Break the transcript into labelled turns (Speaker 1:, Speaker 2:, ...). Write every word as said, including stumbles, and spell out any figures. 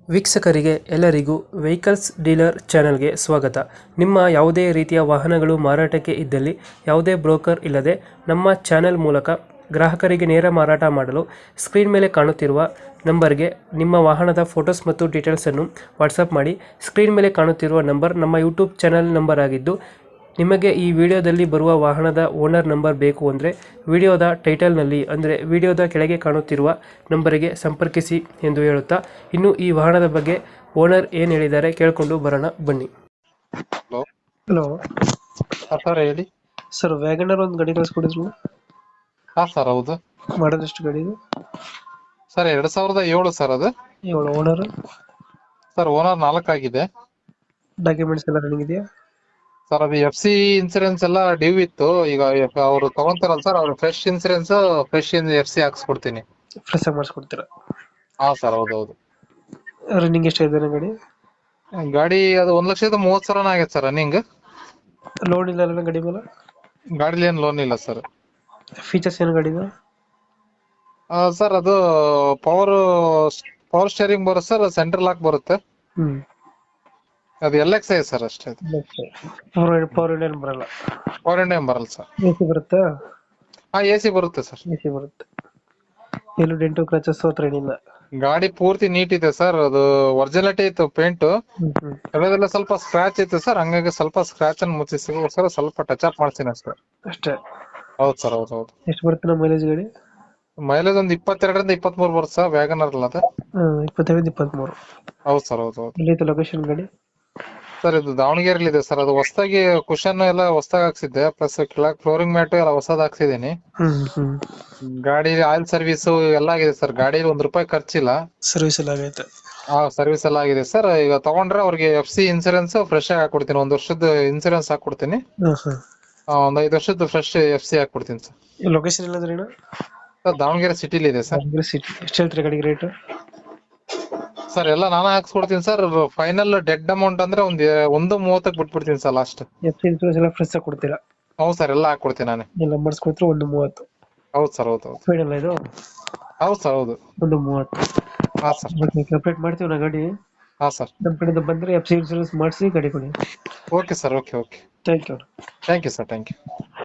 Speaker 1: ವೀಕ್ಷಕರಿಗೆ ಎಲ್ಲರಿಗೂ vehicles dealer ಚಾನೆಲ್ಗೆ ಸ್ವಾಗತ. ನಿಮ್ಮ ಯಾವುದೇ ರೀತಿಯ ವಾಹನಗಳು ಮಾರಾಟಕ್ಕೆ ಇದ್ದಲ್ಲಿ ಯಾವುದೇ ಬ್ರೋಕರ್ ಇಲ್ಲದೆ ನಮ್ಮ ಚಾನೆಲ್ ಮೂಲಕ ಗ್ರಾಹಕರಿಗೆ ನೇರ ಮಾರಾಟ ಮಾಡಲು ಸ್ಕ್ರೀನ್ ಮೇಲೆ ಕಾಣುತ್ತಿರುವ ನಂಬರ್ಗೆ ನಿಮ್ಮ ವಾಹನದ ಫೋಟೋಸ್ ಮತ್ತು ಡೀಟೇಲ್ಸನ್ನು ವಾಟ್ಸಪ್ ಮಾಡಿ. ಸ್ಕ್ರೀನ್ ಮೇಲೆ ಕಾಣುತ್ತಿರುವ ನಂಬರ್ ನಮ್ಮ ಯೂಟ್ಯೂಬ್ ಚಾನೆಲ್ ನಂಬರ್ ಆಗಿದ್ದು, ನಿಮಗೆ ಈ ವಿಡಿಯೋದಲ್ಲಿ ಬರುವ ವಾಹನದ ಓನರ್ ನಂಬರ್ ಬೇಕು ಅಂದರೆ ವಿಡಿಯೋದ ಟೈಟಲ್ನಲ್ಲಿ ಅಂದರೆ ವಿಡಿಯೋದ ಕೆಳಗೆ ಕಾಣುತ್ತಿರುವ ನಂಬರಿಗೆ ಸಂಪರ್ಕಿಸಿ ಎಂದು ಹೇಳುತ್ತಾ, ಇನ್ನು ಈ ವಾಹನದ ಬಗ್ಗೆ ಓನರ್ ಏನು ಹೇಳಿದ್ದಾರೆ ಕೇಳಿಕೊಂಡು ಬರೋಣ ಬನ್ನಿ.
Speaker 2: ಹಲೋ
Speaker 1: ಹಲೋ
Speaker 2: ಸರ್, ಹೇಳಿ
Speaker 1: ಸರ್, ವ್ಯಾಗನರ್ ಒಂದು ಗಾಡಿ ಕಳಿಸ್ಕೊಡಿದ್ರು.
Speaker 2: ಹಾ ಸರ್, ಹೌದು.
Speaker 1: ಮಾಡೋದು ಎಷ್ಟು ಗಾಡಿ ಇದು?
Speaker 2: ಸರ್, ಎರಡ್ ಸಾವಿರದ ಏಳು ಸರ್. ಅದು
Speaker 1: ಏಳು. ಓನರ್
Speaker 2: ಸರ್, ಓನರ್ ನಾಲ್ಕು ಆಗಿದೆ.
Speaker 1: ಡಾಕ್ಯುಮೆಂಟ್ಸ್ ಎಲ್ಲ ರನ್ನಿಂಗ್ ಇದೆಯಾ?
Speaker 2: ಸರ್, ಅದು ಎಫ್ ಸಿ ಇನ್ಸೂರೆನ್ಸ್ ಎಲ್ಲ ಡ್ಯೂ ಇತ್ತು. ಈಗ ಅವರು ತಗೊಂತಾರಲ್ಲ ಸರ್, ಅವ್ರು fresh insurance fresh F C ಹಾಕ್ಸ್ಕೊಡ್ತೀನಿ.
Speaker 1: ಫ್ರೆಶ್ ಆಗಿ ಮಾಡಿಸ್ಕೊಡ್ತೀರಾ?
Speaker 2: ಹಾ ಸರ್, ಹೌದು ಹೌದು.
Speaker 1: ರನ್ನಿಂಗ್ ಎಷ್ಟಾಗಿದೆ ಗಾಡಿ?
Speaker 2: ಗಾಡಿ ಅದು ಒಂದ್ ಲಕ್ಷದ ಮೂವತ್ ಸಾವಿರನ ಆಗೈತೆ ಸರ್ ರನ್ನಿಂಗ್.
Speaker 1: ಲೋನ್ ಇಲ್ಲ ಅಲ್ಲ ಗಾಡಿ ಮೇಲೆ?
Speaker 2: ಗಾಡಿಲಿ ಏನ್ ಲೋನ್ ಇಲ್ಲ ಸರ್.
Speaker 1: ಫೀಚರ್ಸ್ ಏನು ಗಾಡಿದು?
Speaker 2: ಸರ್, ಅದು ಪವರ್ ಪವರ್ ಸ್ಟೇರಿಂಗ್ ಬರುತ್ತೆ ಸರ್, ಸೆಂಟ್ರಲ್ ಲಾಕ್ ಬರುತ್ತೆ.
Speaker 1: ಹ್ಮ್
Speaker 2: ಅದು ಎಲ್ ಎಕ್ಸ್ ಐ ಸರ್ ಅಷ್ಟೇ.
Speaker 1: ಪವರ್ ಇಂಡಿಯನ್ ಬರಲ್ಲ?
Speaker 2: ಪವರ್ ಇಂಡಿಯನ್ ಬರಲ್ಲ ಸರ್.
Speaker 1: ಎ ಸಿ ಬರುತ್ತಾ?
Speaker 2: ಹಾ, ಎ ಸಿ ಬರುತ್ತೆ ಸರ್.
Speaker 1: ಎ ಸಿ ಬರುತ್ತೆ. ಎಲ್ಲೂ ಡೆಂಟು ಕ್ರಚಸ್ ಹತ್ರ ಏನಿಲ್ಲ?
Speaker 2: ಗಾಡಿ ಪೂರ್ತಿ ನೀಟ್ ಇದೆ ಸರ್. ಅದು ಒರಿಜಿನಾಲಿಟಿ ಇತ್ತು ಪೇಂಟ್. ಎಲ್ಲದೆಲ್ಲ ಸ್ವಲ್ಪ ಸ್ಕ್ರಾಚ್ ಇತ್ತು ಸರ್, ಹಂಗಾಗಿ ಸ್ವಲ್ಪ ಸ್ಕ್ರಾಚ್ ಅನ್ನು ಮುಚ್ಚಿಸಿಗೋಸ್ಕರ ಸ್ವಲ್ಪ ಟಚ್ ಅಪ್ ಮಾಡ್ತೀನಿ ಅಷ್ಟೇ.
Speaker 1: ಅಷ್ಟೇ?
Speaker 2: ಹೌದು ಸರ್, ಹೌದು ಹೌದು.
Speaker 1: ಎಷ್ಟು ಬರುತ್ತೆ ನಮ್ಮ ಮೈಲೇಜ್ ಗಾಡಿ?
Speaker 2: ಮೈಲೇಜ್ ಒಂದು ಇಪ್ಪತ್ತೆರಡರಿಂದ ಇಪ್ಪತ್ತ್ ಮೂರು ಬರುತ್ತೆ ಸರ್, ವ್ಯಾಗನರ್ ಅಲ್ಲ ಅದು.
Speaker 1: ಇಪ್ಪತ್ತೆರಡು ಇಪ್ಪತ್ಮೂರು?
Speaker 2: ಹೌದು ಸರ್, ಹೌದು ಹೌದು.
Speaker 1: ಎಲ್ಲಿತ್ತು ಲೊಕೇಶನ್ ಗಾಡಿ?
Speaker 2: ಸರ್, ಇದು ದಾವಣಗೆರೆಯಲ್ಲಿ ಇದೆ ಸರ್. ಅದು ಹೊಸದಾಗಿ ಕುಶನ್ ಎಲ್ಲ ಹೊಸದಾಗಿ ಹಾಕ್ಸಿದ್ದೆ, ಪ್ಲಸ್ ಕೆಳಗೆ ಫ್ಲೋರಿಂಗ್ ಮ್ಯಾಟ್ ಎಲ್ಲ ಹೊಸದ್ ಹಾಕ್ಸಿದೀನಿ.
Speaker 1: ಹ್ಮ್ ಹ್ಮ್
Speaker 2: ಗಾಡಿ ಆಯಿಲ್ ಸರ್ವಿಸ್ ಎಲ್ಲ ಆಗಿದೆ ಸರ್. ಗಾಡಿ ಒಂದ್ ರೂಪಾಯಿ ಖರ್ಚಿಲ್ಲ.
Speaker 1: ಸರ್ವಿಸ್ ಎಲ್ಲ ಆಗೈತೆ?
Speaker 2: ಹಾ, ಸರ್ವಿಸ್ ಎಲ್ಲ ಆಗಿದೆ ಸರ್. ಈಗ ತಗೊಂಡ್ರೆ ಅವ್ರಿಗೆ ಎಫ್ ಸಿ ಇನ್ಸೂರೆನ್ಸ್ ಫ್ರೆಶ್ ಆಗಿ ಹಾಕೊಡ್ತೀನಿ. ಒಂದ್ ವರ್ಷದ ಇನ್ಸೂರೆನ್ಸ್ ಹಾಕೊಡ್ತೀನಿ. ಒಂದ್ ಐದು ವರ್ಷದ ಫ್ರೆಶ್ ಎಫ್ ಸಿ ಹಾಕೊಡ್ತೀನಿ ಸರ್.
Speaker 1: ಲೊಕೇಶನ್ ಎಲ್ಲಂದ್ರೆ
Speaker 2: ಸರ್, ದಾವಣಗೆರೆ ಸಿಟಿಲಿ ಇದೆ ಸರ್.
Speaker 1: ಸಿಟಿ. ಎಷ್ಟು ಹೇಳ್ತೀರಿ ಗಾಡಿಗೆ ರೇಟ್?
Speaker 2: ಸರ್, ಎಲ್ಲ ನಾನೇ ಹಾಕ್ಸ್ಕೊಡ್ತೀನಿ ಸರ್. ಫೈನಲ್ ಡೆಡ್ ಅಮೌಂಟ್ ಅಂದ್ರೆ ಒಂದ್ ಒಂದು ಮೂವತ್ತಕ್ಕೆ ಬಿಟ್ಬಿಡ್ತೀನಿ sir last.
Speaker 1: F C insurance ಎಲ್ಲ ಫ್ರೆಶ್ ಆಗಿ ಕೊಡ್ತೀರಾ?
Speaker 2: ಹೌದು ಸರ್, ಎಲ್ಲ ಹಾಕೊಡ್ತೀನಿ ನಾನೇ.
Speaker 1: ಎಲ್ಲ ಮಾಡಿಸ್ಕೊಡ್ತೀರಾ? ಒಂದು ಮೂವತ್ತು?
Speaker 2: ಹೌದು ಸರ್, ಹೌದು ಹೌದು.
Speaker 1: ಫೈನಲ್ ಇದು?
Speaker 2: ಹೌದು ಸರ್, ಹೌದು.
Speaker 1: ಒಂದು ಮೂವತ್ತು?
Speaker 2: ಹಾ ಸರ್.
Speaker 1: ಕಂಪ್ಲೀಟ್ ಮಾಡ್ತೀವಿ ನಾ ಗಾಡಿ.
Speaker 2: ಹಾ ಸರ್.
Speaker 1: ನಮ್ಮ ಕಡೆಯಿಂದ ಬಂದ್ರೆ ಎಫ್ ಸಿ ಇನ್ಸೂರೆನ್ಸ್ ಮಾಡಿಸಿ ಗಾಡಿ ಕೊಡಿ.
Speaker 2: Okay sir, okay okay.
Speaker 1: Thank you.
Speaker 2: Thank you sir, thank you.